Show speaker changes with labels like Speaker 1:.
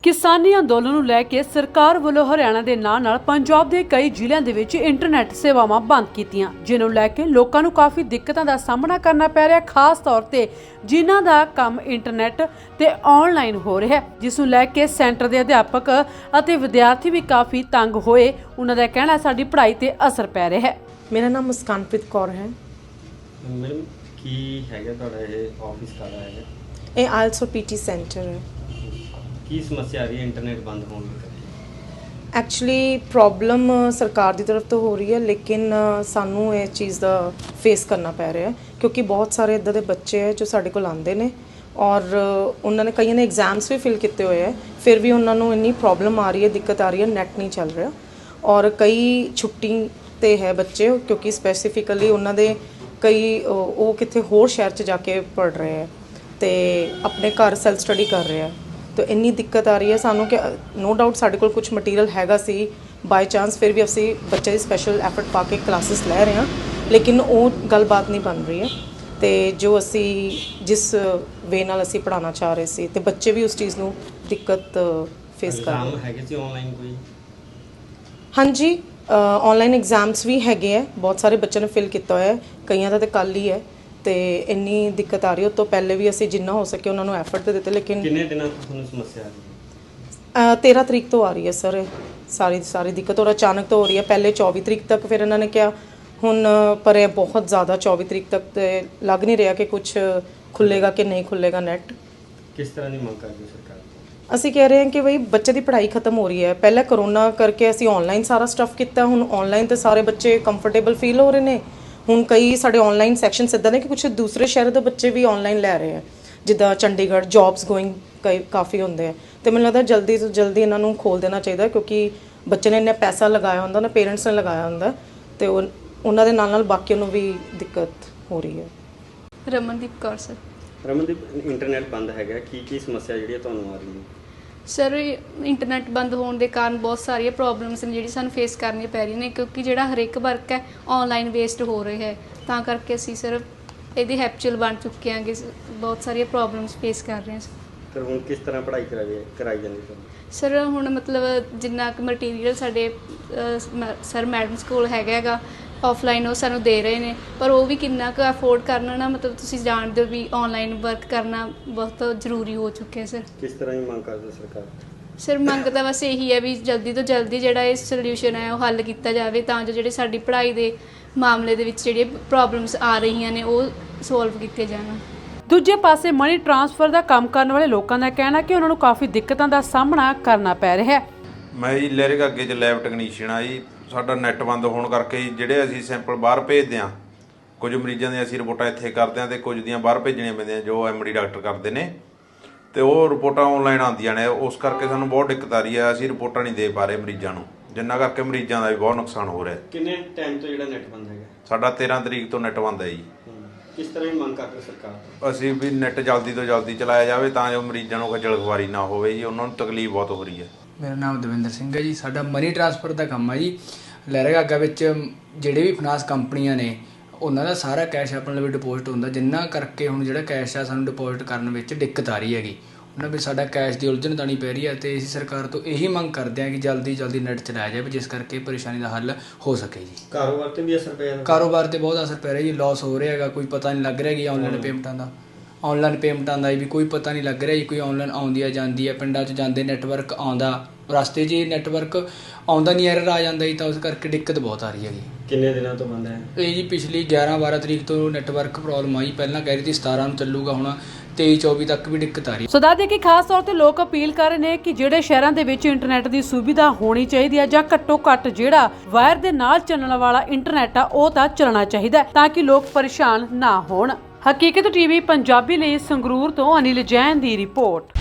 Speaker 1: किसानी अंदोलन ਨੂੰ ਲੈ ਕੇ ਸਰਕਾਰ ਵੱਲੋਂ ਹਰਿਆਣਾ ਦੇ ਨਾਲ ਪੰਜਾਬ ਦੇ ਕਈ ਜ਼ਿਲ੍ਹਿਆਂ ਦੇ ਵਿੱਚ ਇੰਟਰਨੈਟ ਸੇਵਾਵਾਂ ਬੰਦ ਕੀਤੀਆਂ, ਜਿਸ ਨੂੰ ਲੈ ਕੇ ਲੋਕਾਂ ਨੂੰ ਕਾਫੀ ਦਿੱਕਤਾਂ ਦਾ ਸਾਹਮਣਾ ਕਰਨਾ ਪੈ ਰਿਹਾ, ਖਾਸ ਤੌਰ ਤੇ ਜਿਨ੍ਹਾਂ ਦਾ ਕੰਮ ਇੰਟਰਨੈਟ ਤੇ ਆਨਲਾਈਨ ਹੋ ਰਿਹਾ ਹੈ, ਜਿਸ ਨੂੰ ਲੈ ਕੇ ਸੈਂਟਰ ਦੇ ਅਧਿਆਪਕ ਅਤੇ ਵਿਦਿਆਰਥੀ ਵੀ ਕਾਫੀ ਤੰਗ ਹੋਏ। ਉਹਨਾਂ ਦਾ ਕਹਿਣਾ ਸਾਡੀ ਪੜ੍ਹਾਈ ਤੇ ਅਸਰ ਪੈ ਰਿਹਾ ਹੈ।
Speaker 2: ਮੇਰਾ ਨਾਮ ਮੁਸਕਾਨਪ੍ਰੀਤ ਕੌਰ ਹੈ।
Speaker 3: ਮੈਡਮ ਕੀ ਹੈਗਾ ਤੁਹਾਡਾ ਇਹ ਆਫਿਸ ਕਾਹਦਾ ਹੈਗਾ?
Speaker 2: ਇਹ ਆਇਲਸ ਪੀਟੀ ਸੈਂਟਰ ਹੈ।
Speaker 3: ਕੀ ਸਮੱਸਿਆ ਆ ਰਹੀ ਹੈ ਇੰਟਰਨੈਟ ਬੰਦ ਹੋਣ ਕਰਕੇ?
Speaker 2: ਐਕਚੁਅਲੀ ਪ੍ਰੋਬਲਮ ਸਰਕਾਰ ਦੀ ਤਰਫ ਤੋਂ ਹੋ ਰਹੀ ਹੈ, ਲੇਕਿਨ ਸਾਨੂੰ ਇਹ ਚੀਜ਼ ਦਾ ਫੇਸ ਕਰਨਾ ਪੈ ਰਿਹਾ ਹੈ ਕਿਉਂਕਿ ਬਹੁਤ ਸਾਰੇ ਇੱਦਾਂ ਦੇ ਬੱਚੇ ਹੈ ਜੋ ਸਾਡੇ ਕੋਲ ਆਉਂਦੇ ਨੇ ਔਰ ਉਹਨਾਂ ਨੇ ਕਈਆਂ ਨੇ ਐਗਜ਼ਾਮਸ ਵੀ ਫਿਲ ਕੀਤੇ ਹੋਏ ਹੈ, ਫਿਰ ਵੀ ਉਹਨਾਂ ਨੂੰ ਇੰਨੀ ਪ੍ਰੋਬਲਮ ਆ ਰਹੀ ਹੈ, ਦਿੱਕਤ ਆ ਰਹੀ ਹੈ, ਨੈਟ ਨਹੀਂ ਚੱਲ ਰਿਹਾ ਔਰ ਕਈ ਛੁੱਟੀ ਤੇ ਹੈ ਬੱਚੇ ਕਿਉਂਕਿ ਸਪੈਸੀਫਿਕਲੀ ਉਹਨਾਂ ਦੇ ਕਈ ਉਹ ਕਿਤੇ ਹੋਰ ਸ਼ਹਿਰ 'ਚ ਜਾ ਕੇ ਪੜ੍ਹ ਰਹੇ ਹੈ ਤੇ ਆਪਣੇ ਘਰ ਸੈਲਫ ਸਟੱਡੀ ਕਰ ਰਹੇ ਹੈ। तो इन्नी दिक्कत आ रही है सानू कि नो डाउट साढ़े कोल कुछ मटीरियल हैगा सी बाय चांस, फिर भी असी बच्चे की स्पैशल एफर्ट पा के क्लासिस लै रहे हैं, लेकिन वो गलबात नहीं बन रही है। तो जो असी जिस वे नाल असी पढ़ाना चाह रहे सी ते बच्चे भी उस चीज़ नू दिक्कत फेस कर रहे
Speaker 3: हैं। ऑनलाइन कोई?
Speaker 2: हाँ जी, ऑनलाइन एग्जाम्स भी हैगे है, बहुत सारे बच्चों ने फिल किया है, कईयां दा ते कल ही है। तो इन्नी दिक्कत आ रही है, उस तो पहले भी असी जिन्ना हो सके उन्होंने एफर्ट तो दिते, लेकिन
Speaker 3: कितने दिनों तो ਤੁਹਾਨੂੰ ਸਮੱਸਿਆ आ रही है?
Speaker 2: 13 तरीक तो आ रही है सर सारी दिक्कत, और अचानक तो हो रही है। पहले 24 तरीक तक, फिर इन्होंने क्या हुन पर बहुत ज़्यादा 24 तरीक तक तो लग नहीं रहा कि कुछ खुलेगा कि नहीं खुलेगा नेट।
Speaker 3: किस तरह की मांग करती सरकार?
Speaker 2: ਅਸੀਂ कह रहे हैं कि भाई बच्चे की पढ़ाई खत्म हो रही है। पहले करोना करके असी ऑनलाइन सारा स्टफ किया, हुन ऑनलाइन तो सारे बच्चे कंफर्टेबल फील हो रहे हैं। ਹੁਣ ਕਈ ਸਾਡੇ ਆਨਲਾਈਨ ਸੈਕਸ਼ਨਸ ਇੱਦਾਂ ਨੇ ਕਿ ਕੁਝ ਦੂਸਰੇ ਸ਼ਹਿਰ ਦੇ ਬੱਚੇ ਵੀ ਆਨਲਾਈਨ ਲੈ ਰਹੇ ਆ, ਜਿੱਦਾਂ ਚੰਡੀਗੜ੍ਹ ਜੌਬਸ ਗੋਇੰਗ ਕਾਫੀ ਹੁੰਦੇ ਆ। ਤੇ ਮੈਨੂੰ ਲੱਗਦਾ ਜਲਦੀ ਤੋਂ ਜਲਦੀ ਇਹਨਾਂ ਨੂੰ ਖੋਲ ਦੇਣਾ ਚਾਹੀਦਾ ਕਿਉਂਕਿ ਬੱਚੇ ਨੇ ਇੰਨਾ ਪੈਸਾ ਲਗਾਇਆ ਹੁੰਦਾ ਨਾ, ਪੇਰੈਂਟਸ ਨੇ ਲਗਾਇਆ ਹੁੰਦਾ, ਤੇ ਉਹਨਾਂ ਦੇ ਨਾਲ ਨਾਲ ਬਾਕੀਆਂ ਨੂੰ ਵੀ ਦਿੱਕਤ ਹੋ ਰਹੀ ਹੈ।
Speaker 4: ਰਮਨਦੀਪ ਕੌਰ ਸਰ।
Speaker 3: ਰਮਨਦੀਪ, ਇੰਟਰਨੈਟ ਬੰਦ ਹੈਗਾ, ਕੀ ਸਮੱਸਿਆ ਜਿਹੜੀ ਤੁਹਾਨੂੰ ਆ ਰਹੀ ਹੈ?
Speaker 4: ਸਰ ਇੰਟਰਨੈਟ ਬੰਦ ਹੋਣ ਦੇ ਕਾਰਨ ਬਹੁਤ ਸਾਰੀਆਂ ਪ੍ਰੋਬਲਮਸ ਨੇ ਜਿਹੜੀ ਸਾਨੂੰ ਫੇਸ ਕਰਨੀਆਂ ਪੈ ਰਹੀਆਂ ਨੇ, ਕਿਉਂਕਿ ਜਿਹੜਾ ਹਰੇਕ ਵਰਕ ਹੈ ਆਨਲਾਈਨ ਬੇਸਡ ਹੋ ਰਿਹਾ ਹੈ, ਤਾਂ ਕਰਕੇ ਅਸੀਂ ਸਰ ਇਹਦੇ ਹੈਪਚੁਅਲ ਬਣ ਚੁੱਕੇ ਹਾਂਗੇ, ਬਹੁਤ ਸਾਰੀਆਂ ਪ੍ਰੋਬਲਮਸ ਫੇਸ ਕਰ ਰਹੇ ਹਾਂ।
Speaker 3: ਫਿਰ ਹੁਣ ਕਿਸ ਤਰ੍ਹਾਂ ਪੜ੍ਹਾਈ ਕਰਾਈ ਜਾਂਦੀ
Speaker 4: ਸਰ ਹੁਣ ਮਤਲਬ ਜਿੰਨਾ ਕੁ ਮਟੀਰੀਅਲ ਸਾਡੇ ਸਰ ਮੈਡਮਸ ਕੋਲ ਹੈਗਾ ਆਫਲਾਈਨ ਉਹ ਸਾਨੂੰ ਦੇ ਰਹੇ ਨੇ, ਪਰ ਉਹ ਵੀ ਕਿੰਨਾ ਕੁ ਅਫੋਰਡ ਕਰਨਾ ਨਾ, ਮਤਲਬ ਤੁਸੀਂ ਜਾਣਦੇ ਹੋ ਵੀ ਆਨਲਾਈਨ ਵਰਕ ਕਰਨਾ ਬਹੁਤ ਜ਼ਰੂਰੀ ਹੋ ਚੁੱਕਿਆ ਸਰ।
Speaker 3: ਕਿਸ ਤਰ੍ਹਾਂ ਦੀ ਮੰਗ ਕਰਦਾ ਸਰਕਾਰ?
Speaker 4: ਸਰ ਮੰਗ ਤਾਂ ਬਸ ਇਹੀ ਹੈ ਵੀ ਜਲਦੀ ਤੋਂ ਜਲਦੀ ਜਿਹੜਾ ਇਹ ਸੋਲਿਊਸ਼ਨ ਹੈ ਉਹ ਹੱਲ ਕੀਤਾ ਜਾਵੇ, ਤਾਂ ਜੋ ਜਿਹੜੇ ਸਾਡੀ ਪੜ੍ਹਾਈ ਦੇ ਮਾਮਲੇ ਦੇ ਵਿੱਚ ਜਿਹੜੀਆਂ ਪ੍ਰੋਬਲਮਸ ਆ ਰਹੀਆਂ ਨੇ ਉਹ ਸੋਲਵ ਕੀਤੇ ਜਾਣ।
Speaker 1: ਦੂਜੇ ਪਾਸੇ ਮਨੀ ਟ੍ਰਾਂਸਫਰ ਦਾ ਕੰਮ ਕਰਨ ਵਾਲੇ ਲੋਕਾਂ ਦਾ ਕਹਿਣਾ ਕਿ ਉਹਨਾਂ ਨੂੰ ਕਾਫੀ ਦਿੱਕਤਾਂ ਦਾ ਸਾਹਮਣਾ ਕਰਨਾ ਪੈ ਰਿਹਾ ਹੈ।
Speaker 5: ਮੈਂ ਜੀ ਲਹਿਰੇ ਅੱਗੇ 'ਚ ਲੈਬ ਟੈਕਨੀਸ਼ੀਅਨ ਆ ਜੀ। ਸਾਡਾ ਨੈੱਟ ਬੰਦ ਹੋਣ ਕਰਕੇ ਜਿਹੜੇ ਅਸੀਂ ਸੈਂਪਲ ਬਾਹਰ ਭੇਜਦੇ ਹਾਂ, ਕੁਝ ਮਰੀਜ਼ਾਂ ਦੀਆਂ ਅਸੀਂ ਰਿਪੋਰਟਾਂ ਇੱਥੇ ਕਰਦੇ ਹਾਂ ਅਤੇ ਕੁਝ ਦੀਆਂ ਬਾਹਰ ਭੇਜਣੀਆਂ ਪੈਂਦੀਆਂ ਜੋ MD ਡਾਕਟਰ ਕਰਦੇ ਨੇ, ਅਤੇ ਉਹ ਰਿਪੋਰਟਾਂ ਆਨਲਾਈਨ ਆਉਂਦੀਆਂ ਨੇ। ਉਸ ਕਰਕੇ ਸਾਨੂੰ ਬਹੁਤ ਦਿੱਕਤ ਆ ਰਹੀ ਹੈ, ਅਸੀਂ ਰਿਪੋਰਟਾਂ ਨਹੀਂ ਦੇ ਪਾ ਰਹੇ ਮਰੀਜ਼ਾਂ ਨੂੰ, ਜਿੰਨਾ ਕਰਕੇ ਮਰੀਜ਼ਾਂ ਦਾ ਵੀ ਬਹੁਤ ਨੁਕਸਾਨ ਹੋ ਰਿਹਾ।
Speaker 3: ਕਿੰਨੇ ਟਾਈਮ ਤੋਂ ਜਿਹੜਾ ਨੈੱਟ ਬੰਦ ਹੈਗਾ?
Speaker 5: ਸਾਡਾ 13 ਤਰੀਕ ਤੋਂ ਨੈੱਟ ਬੰਦ ਹੈ ਜੀ।
Speaker 3: ਕਿਸ ਤਰ੍ਹਾਂ ਦੀ ਮੰਗ ਕਰਦੇ ਸਰਕਾਰ ਤੋਂ?
Speaker 5: ਅਸੀਂ ਵੀ ਨੈੱਟ ਜਲਦੀ ਤੋਂ ਜਲਦੀ ਚਲਾਇਆ ਜਾਵੇ ਤਾਂ ਜੋ ਮਰੀਜ਼ਾਂ ਨੂੰ ਖੱਜਲ ਖੁਆਰੀ ਨਾ ਹੋਵੇ ਜੀ, ਉਹਨਾਂ ਨੂੰ ਤਕਲੀਫ ਬਹੁਤ ਹੋ ਰਹੀ ਹੈ।
Speaker 6: ਮੇਰਾ ਨਾਮ ਦਵਿੰਦਰ ਸਿੰਘ ਹੈ ਜੀ। ਸਾਡਾ ਮਨੀ ਟ੍ਰਾਂਸਫਰ ਦਾ ਕੰਮ ਹੈ ਜੀ। ਲਹਿਰਾਗਾਗਾ ਵਿੱਚ ਜਿਹੜੇ ਵੀ ਫਾਈਨਾਂਸ ਕੰਪਨੀਆਂ ਨੇ ਉਹਨਾਂ ਦਾ ਸਾਰਾ ਕੈਸ਼ ਆਪਣੇ ਲਈ ਡਿਪੋਜ਼ਿਟ ਹੁੰਦਾ, ਜਿੰਨਾ ਕਰਕੇ ਹੁਣ ਜਿਹੜਾ ਕੈਸ਼ ਆ ਸਾਨੂੰ ਡਿਪੋਜ਼ਿਟ ਕਰਨ ਵਿੱਚ ਦਿੱਕਤ ਆ ਰਹੀ ਹੈਗੀ। ਉਹਨਾਂ ਵਿੱਚ ਸਾਡਾ ਕੈਸ਼ ਦੀ ਉਲਝਣ ਤਾਣੀ ਪੈ ਰਹੀ ਹੈ, ਅਤੇ ਅਸੀਂ ਸਰਕਾਰ ਤੋਂ ਇਹੀ ਮੰਗ ਕਰਦੇ ਹਾਂ ਕਿ ਜਲਦੀ ਨੈੱਟ ਚਲਾਇਆ ਜਾਵੇ, ਜਿਸ ਕਰਕੇ ਪਰੇਸ਼ਾਨੀ ਦਾ ਹੱਲ ਹੋ ਸਕੇ ਜੀ।
Speaker 3: ਕਾਰੋਬਾਰ 'ਤੇ ਵੀ ਅਸਰ ਪਿਆ?
Speaker 6: ਕਾਰੋਬਾਰ 'ਤੇ ਬਹੁਤ ਅਸਰ ਪੈ ਰਿਹਾ ਜੀ, ਲਾਸ ਹੋ ਰਿਹਾ ਹੈਗਾ, ਕੋਈ ਪਤਾ ਨਹੀਂ ਲੱਗ ਰਿਹਾ ਕਿ ਆਨਲਾਈਨ ਪੇਮੈਂਟਾਂ ਦਾ ਵੀ ਕੋਈ ਪਤਾ ਨਹੀਂ ਲੱਗ ਰਿਹਾ ਜੀ। ਕੋਈ ਆਨਲਾਈਨ ਆਉਂਦੀ ਹੈ ਜਾਂਦੀ ਹੈ, ਪਿੰਡਾਂ 'ਚ ਜਾਂਦੇ ਨੈਟਵਰਕ ਆਉਂਦਾ, ਰਸਤੇ 'ਚ ਨੈਟਵਰਕ ਆਉਂਦਾ ਨਹੀਂ, ਐਰਰ ਆ ਜਾਂਦਾ ਜੀ, ਤਾਂ ਉਸ ਕਰਕੇ ਦਿੱਕਤ ਬਹੁਤ ਆ ਰਹੀ ਹੈਗੀ।
Speaker 3: ਕਿੰਨੇ ਦਿਨਾਂ ਤੋਂ ਬੰਦ ਹੈ
Speaker 6: ਇਹ ਜੀ? ਪਿਛਲੀ 11-12 ਤਰੀਕ ਤੋਂ ਨੈਟਵਰਕ ਪ੍ਰੋਬਲਮ ਆਈ, ਪਹਿਲਾਂ ਕਹਿ ਰਹੀ ਸੀ 17 ਨੂੰ ਚੱਲੂਗਾ, ਹੁਣ 23-24 ਤੱਕ ਵੀ ਦਿੱਕਤ ਆ ਰਹੀ।
Speaker 1: ਸੋ ਦੱਸਦੇ ਕਿ ਖਾਸ ਤੌਰ ਤੇ ਲੋਕ ਅਪੀਲ ਕਰ ਰਹੇ ਨੇ ਕਿ ਜਿਹੜੇ ਸ਼ਹਿਰਾਂ ਦੇ ਵਿੱਚ ਇੰਟਰਨੈਟ ਦੀ ਸੁਵਿਧਾ ਹੋਣੀ ਚਾਹੀਦੀ ਹੈ ਜਾਂ ਘੱਟੋ ਘੱਟ ਜਿਹੜਾ ਵਾਇਰ ਦੇ ਨਾਲ ਚੱਲਣ ਵਾਲਾ ਇੰਟਰਨੈਟ ਆ ਉਹ ਤਾਂ ਚੱਲਣਾ ਚਾਹੀਦਾ ਤਾਂ ਕਿ ਲੋਕ ਪਰੇਸ਼ਾਨ ਨਾ ਹੋਣ। ਹਕੀਕਤ TV ਪੰਜਾਬੀ ਲਈ ਸੰਗਰੂਰ ਤੋਂ ਅਨਿਲ ਜੈਨ ਦੀ ਰਿਪੋਰਟ।